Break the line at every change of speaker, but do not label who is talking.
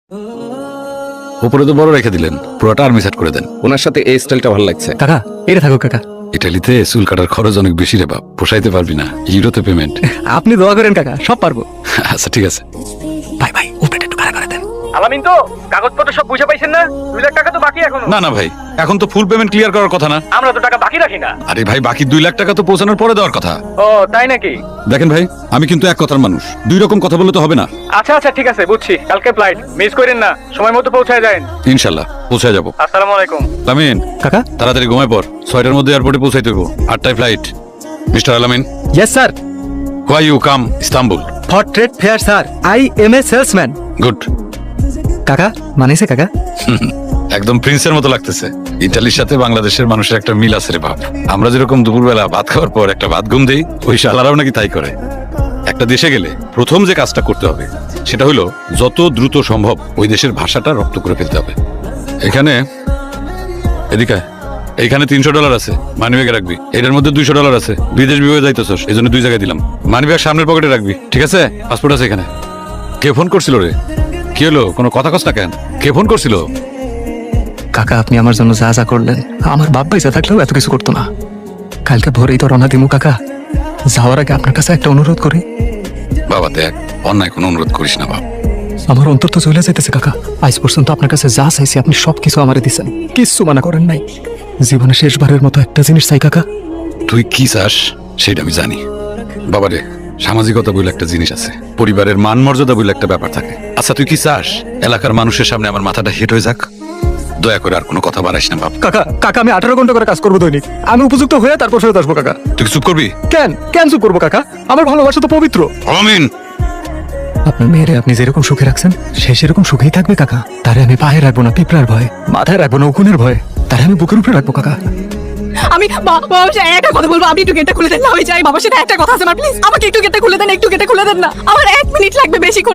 উপরে তো বড় রেখে দিলেন, পুরোটা আর্মি সেট করে দেন।
ওনার সাথে এই স্টাইলটা ভালো লাগছে।
কাকা এটা থাকুক কাকা।
ইটালিতে চুল কাটার খরচ অনেক বেশি রে বাপ, পোষাইতে পারবি না, ইউরোতে পেমেন্ট।
আপনি দোয়া করেন কাকা, সব পারবো।
আচ্ছা ঠিক আছে।
ভাই ভাই উপরেটা একটু ভাড়া করে দেন।
আলামিন তো কাগজপত্র সব বুঝে পাইছেন না? 2 লাখ টাকা তো বাকি এখনো।
না না ভাই, এখন তো ফুল পেমেন্ট ক্লিয়ার করার কথা না।
আমরা তো টাকা বাকি রাখি না।
আরে ভাই, বাকি 2 লাখ টাকা তো পৌঁছানোর পরে দেওয়ার কথা।
ও তাই নাকি?
দেখেন ভাই, আমি কিন্তু এক কথার মানুষ, 2 রকম কথা বললে তো হবে না।
আচ্ছা আচ্ছা ঠিক আছে, বুঝছি। কালকে ফ্লাইট মিস করেন না, সময় মতো পৌঁছায় যাবেন।
ইনশাল্লাহ পৌঁছে যাবো।
আসসালামু আলাইকুম।
আলামিন
কাকা।
তাড়াতাড়ি ঘুমায় পর, 6টার মধ্যে এয়ারপোর্টে পৌঁছাইতে হইব। 8টায় flight. Mister Alamin,
yes sir.
Why you come Istanbul?
For trade fair sir, I am a salesman.
Good.
কাকা মানেছে কাকা?
একদম প্রিন্সের মতো লাগতেছে। ইতালির সাথে বাংলাদেশের মানুষের একটা মিল আছে রে বাপ। আমরা যেরকম দুপুরবেলা ভাত খাওয়ার পর একটা ভাত ঘুম দেই, ওই শালারাও নাকি তাই করে। একটা দেশে গেলে প্রথম যে কাজটা করতে হবে সেটা হলো যত দ্রুত সম্ভব ওই দেশের ভাষাটা রপ্ত করে ফেলতে হবে। এখানে এদিকে এইখানে $300 আছে, মানিব্যাগে রাখবি। এটার মধ্যে $200 আছে, বিদেশ বিভাগে যাইতেছস, এই জন্য 2 জায়গায় দিলাম। মানিব্যাগ সামনের পকেটে রাখবি, ঠিক আছে? পাসপোর্ট আছে এখানে। কে ফোন করছিল রে? কি হলো, কোনো কথা কস না কেন? কে ফোন করছিল?
কাকা আপনি আমার জন্য যা যা করলেন, আমার বাপ পয়সা থাকলেও এত কিছু করতো না। কালকে ভোরেই তো রওনা দিমু কাকা। যাওয়ার আগে আপনার কাছে একটা অনুরোধ করি।
বাবা দেখ, অন্যায় কোনো অনুরোধ করিস না বাপ।
আমার অন্তর তো চলে যাইতেছে কাকা। আজ পর্যন্ত আপনার কাছে যা চাইছি আপনি সবকিছু আমারে দিছেন, কিচ্ছু মানা করেন নাই। জীবনে শেষবারের মতো একটা জিনিস চাই কাকা।
তুই কি চাস সেটা আমি জানি বাবা রে। সামাজিকতা বলে একটা জিনিস আছে, পরিবারের মান মর্যাদা বলে একটা ব্যাপার থাকে। আচ্ছা তুই কি চাস এলাকার মানুষের সামনে আমার মাথাটা হেট হয়ে যাক? দয়া করে আর কোনো কথা বাড়াইস না বাপ।
কাকা কাকা আমি 18 ঘন্টা করে কাজ করবো দৈনিক। আমি উপযুক্ত হয়ে তারপর ফেরত আসবো কাকা।
তুই কি চুপ করবি?
কেন কেন চুপ করবো কাকা? আমার ভালোবাসা তো পবিত্র।
আমিন।
আপনার মেয়েরে আপনি যেরকম সুখে রাখছেন সে সেরকম সুখেই থাকবে কাকা। তারে আমি পায়ে রাখবো না পিঁপড়ার ভয়, মাথায় রাখবো না উকুনের ভয়, তারে আমি বুকের উপরে রাখবো কাকা।
আমি বাবার সাথে একটা কথা বলবো, আপনি একটু গেটটা খুলে দেন না। আমি চাই বাবার সাথে একটা কথা আছে আমার, প্লিজ আমাকে একটু গেটটা খুলে দেন, একটু গেটটা খুলে দেন না। আমার 1 মিনিট লাগবে, বেশি করে